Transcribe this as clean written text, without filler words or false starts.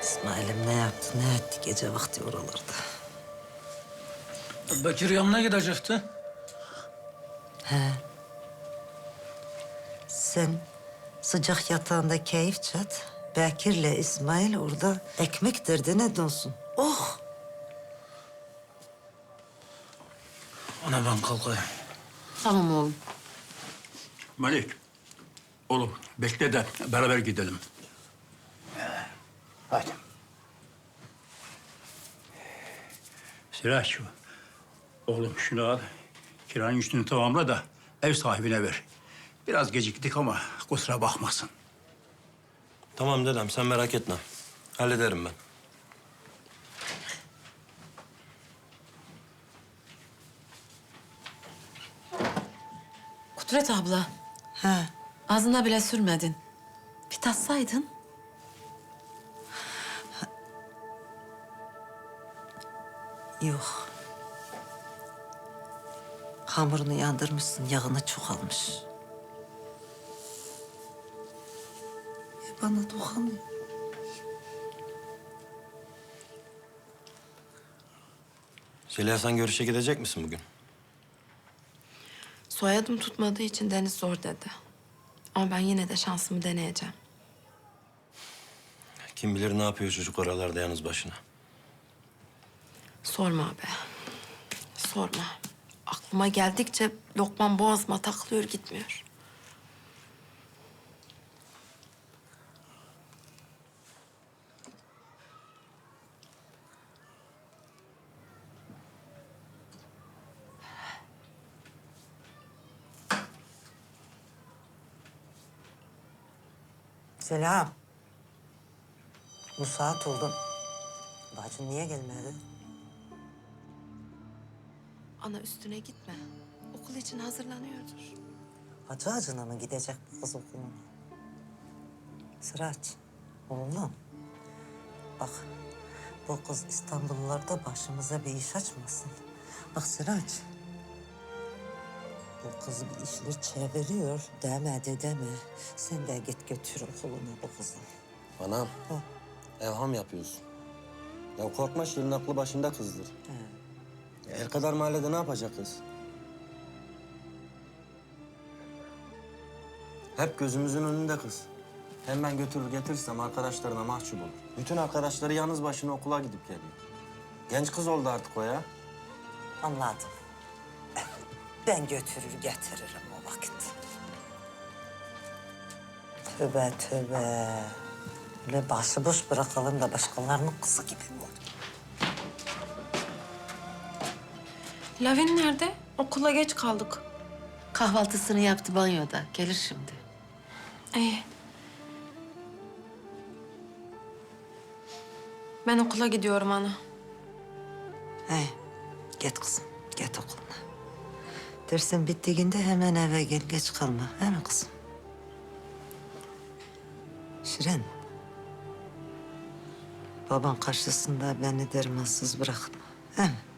İsmail'im ne yaptı, ne etti gece vakti oralarda? Bekir yanına gidecekti. Sen sıcak yatağında keyif çat. Bekir'le İsmail orada ekmek derdine donsun. Oh! Ana ben kalkayım. Tamam oğlum. Malik, oğlum bekle de beraber gidelim. Hadi. Sıraç, oğlum şunu al. Kiranın üstünü tamamla da ev sahibine ver. Biraz geciktik ama kusura bakmasın. Tamam dedem, sen merak etme. Hallederim ben. Kudret abla, Ha, ağzına bile sürmedin. Bir tatsaydın. yok. Hamurunu yandırmışsın, yağını çok almış. Bana dokunmuyor. Zeliha, sen görüşe gidecek misin bugün? Soyadım tutmadığı için Deniz zor dedi. Ama ben yine de şansımı deneyeceğim. Kim bilir ne yapıyor çocuk oralarda yalnız başına. Sorma abi. Sorma. Aklıma geldikçe lokman boğazıma takılıyor gitmiyor. Selam. Bu saat oldu. Bacın niye gelmedi? Ana üstüne gitme. Okul için hazırlanıyordur. Hacı Hacı'na mı gidecek bu kız okuluna? Sıraç, oğlum. Bak, bu kız İstanbullularda başımıza bir iş açmasın. Bak Sıraç, bu kız bir işler çeviriyor deme. Sen de git götür okuluna bu kızı. Anam, Ha. evham yapıyorsun. Ya korkma, Şirin aklı başında kızdır. El kadar mahallede ne yapacak kız? Hep gözümüzün önünde kız. Hem ben götürür getirirsem arkadaşlarına mahcup olur. Bütün arkadaşları yalnız başına okula gidip geliyor. Genç kız oldu artık o ya. Anladım. Ben götürür getiririm o vakit. Tövbe. Öyle başıboş bırakalım da başkalarının kızı gibi mi olur? Lavin nerede? Okula geç kaldık. Kahvaltısını yaptı banyoda. Gelir şimdi. İyi. Ben okula gidiyorum ana. He, git kızım, git okuluna. Dersin bittiğinde hemen eve gel, geç kalma. He mi kızım? Şirin. Baban karşısında beni dermansız bırakma. He mi?